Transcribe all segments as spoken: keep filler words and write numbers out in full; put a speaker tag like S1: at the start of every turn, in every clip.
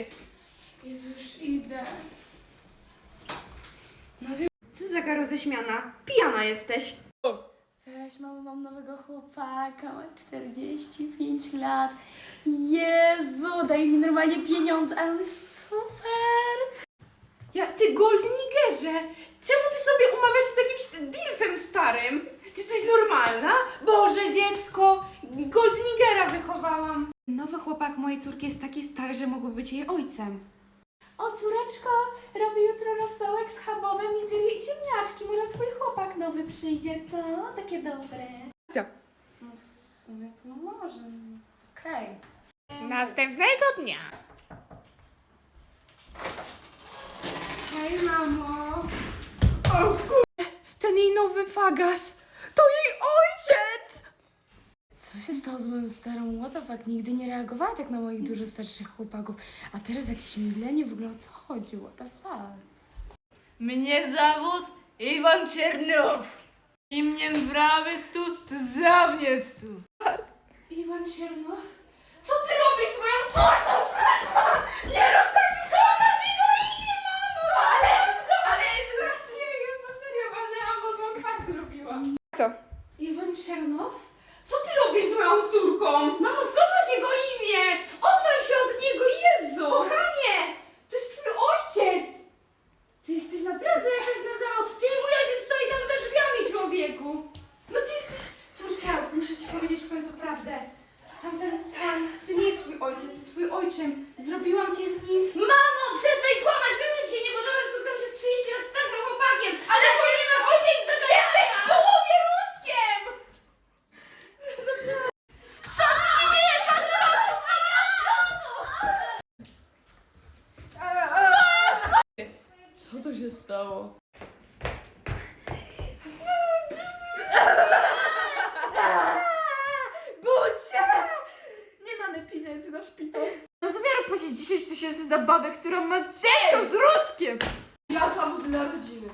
S1: Jezu, już idę.
S2: No, co ty taka roześmiana? Pijana jesteś.
S1: Weź, mamo, mam nowego chłopaka, ma czterdzieści pięć lat. Jezu, daj mi normalnie pieniądze, ale super.
S2: Ja, ty Goldnigerze, czemu ty sobie umawiasz z jakimś dilfem starym? Ty jesteś normalna? Boże, dziecko, Goldnigera wychowałam. Nowy chłopak mojej córki jest taki stary, że mógłby być jej ojcem.
S1: O, córeczko, robię jutro rosołek z chabowem i zje ziemniaczki. Może twój chłopak nowy przyjdzie, co? Takie dobre.
S2: Co?
S1: No w sumie to może. Okej.
S2: Następnego dnia. Hej, mamo. O kur... Ten jej nowy fagas. To jej ojciec!
S1: Co się stało z moją starą? What the fuck? Nigdy nie reagowała tak na moich dużo starszych chłopaków. A teraz jakieś mydlenie? W ogóle o co chodzi? What the fuck?
S3: Mnie zawód Iwan Czernow. I mnie brawy stu, to za mnie stu.
S2: Iwan Czernow? Co ty robisz z moją córką? Nie rób tak! Skądasz jego imię, mamo! Ale, ale teraz się już na serio walnęłam, bo złą twarz zrobiłam. Co? Iwan Czernow? Co ty robisz z moją córką? Mamo, skąd masz jego imię? Odwal się od niego, Jezu! Kochanie! To jest twój ojciec! Ty jesteś naprawdę jakaś na zawał. Przecież mój ojciec stoi tam za drzwiami, człowieku! No ty jesteś... Córcia, muszę ci powiedzieć w końcu prawdę. Tamten pan, to nie jest twój ojciec, to twój ojczym. Zrobiłam cię z nim... Mamo, przestań kłamać! Wiem, że ci się nie podoba, że spotkam się z trzydzieści lat starszym chłopakiem! Ale to nie nasz ojciec z tego... Jesteś w połowie Ruskiem! Co tu się dzieje? Co ty robisz z moją żoną?
S3: Co tu się stało?
S2: Bucia! Nie mamy pieniędzy na szpital. No zamiaru płacić dziesięć tysięcy za babę, która ma dziecko z Ruskiem!
S3: Ja zawód dla rodziny.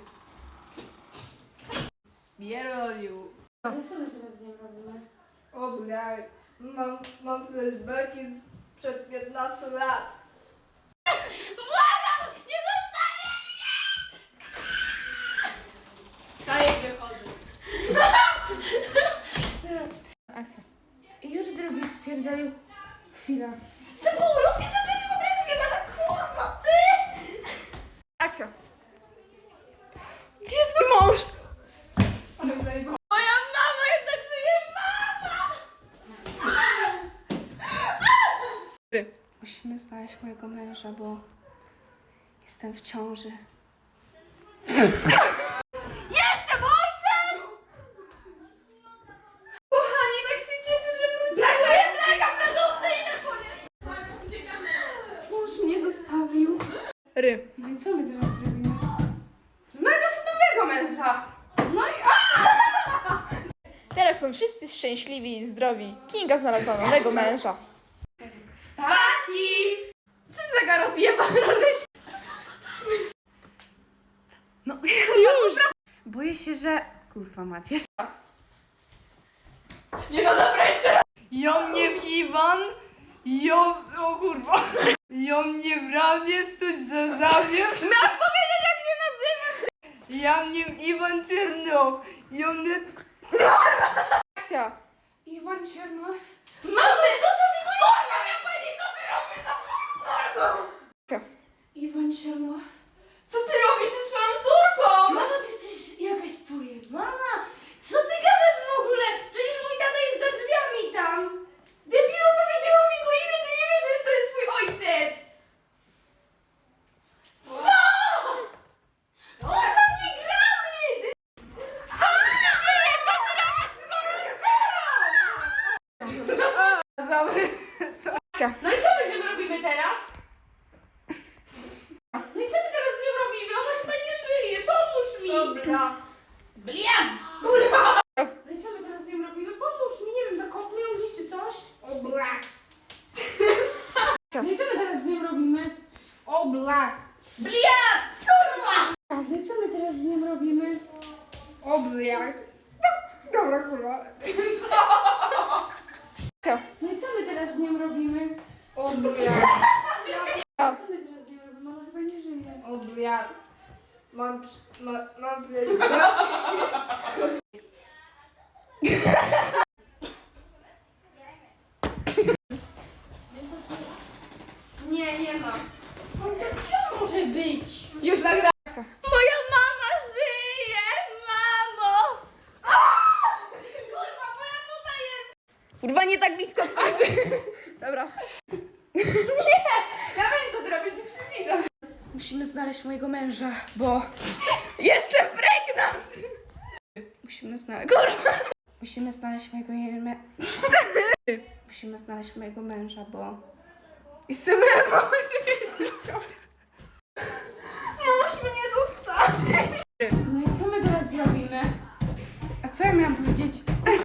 S3: Spierolił.
S1: Ale co my teraz z nią robimy?
S3: O blaj, mam, mam flashbacki sprzed piętnastu lat.
S2: Błagam! Nie zostawię mnie!
S3: Wstaję i wychodzę.
S2: Akcja.
S1: I już drugi spierdolił. Chwila.
S2: Z tym Ruskiem to co nie obręcznie, ale kurwa, ty! Akcja. Gdzie jest mój mąż? Moja mama jednak żyje, mama! Musimy znaleźć mojego męża, bo jestem w ciąży. Jestem ojcem! Kochanie, tak się cieszę, że wróciłeś! Ja mlekam na dupce i na koniec! Mąż mnie zostawił. Ry.
S1: No i co my teraz zrobimy?
S2: Znajdę sobie nowego męża. No i...
S4: Teraz są wszyscy szczęśliwi i zdrowi. Kinga znalazła nowego męża.
S2: Taki! Co za taka rozjebana roześ... No już! Boję się, że... Kurwa macie. Nie no dobra, jeszcze raz!
S3: Ja mnie Iwan, ja, o kurwa. Ja mnie prawie stuć za zamiast.
S2: Masz powiedzieć, jak się nazywasz!
S3: Ja mnie Iwan Czernow. Ja mnie...
S4: Akcja!
S2: Iwan Czernow? Mam ty! Kurwa, miał powiedzieć, co ty robisz za swoją córką!
S4: Co?
S2: Iwan Czernow? Co ty robisz ze swoją córką?
S1: Mama, ty jesteś jakaś pojebana? Co ty gadasz w ogóle? Przecież mój tata jest za drzwiami tam.
S2: Debilu, powiedziała mi go imię, ty nie wiesz, że to jest twój ojciec! Co? Kurwa, nie gramy! Co tu się dzieje? Co ty robisz z moją żoną? No i co my z nią robimy teraz? No i co my teraz z nią robimy? Ona chyba nie żyje, pomóż mi!
S3: Dobra.
S2: Bliant!
S1: No i co my teraz z nią robimy? Pomóż mi, nie wiem, zakopmy ją gdzieś czy coś? No i co my teraz z nią robimy?
S3: O blak.
S2: Bliant! Kurwa!
S1: No i co my teraz z nią robimy?
S3: O blak. Dobra kurwa.
S1: No i co my teraz z nią robimy?
S3: O blak.
S1: Co
S3: Mam, przy- ma, mam
S2: Nie, nie ma. Co może być?
S4: Już nagra...
S1: Moja mama żyje, mamo!
S2: Kurwa, bo ja tutaj jest!
S4: Kurwa, nie tak blisko twarzy. Dobra.
S2: Ja wiem, co ty robisz, ty przybliżasz.
S1: Musimy znaleźć mojego męża, bo jestem pregnant! Musimy znaleźć... Kurwa! Musimy znaleźć mojego... Me... Musimy znaleźć mojego męża, bo... Jestem emo, czekaj, jestem w ciąży.
S4: Mąż mnie zostawi.
S1: No i co my teraz zrobimy? A co ja miałam powiedzieć?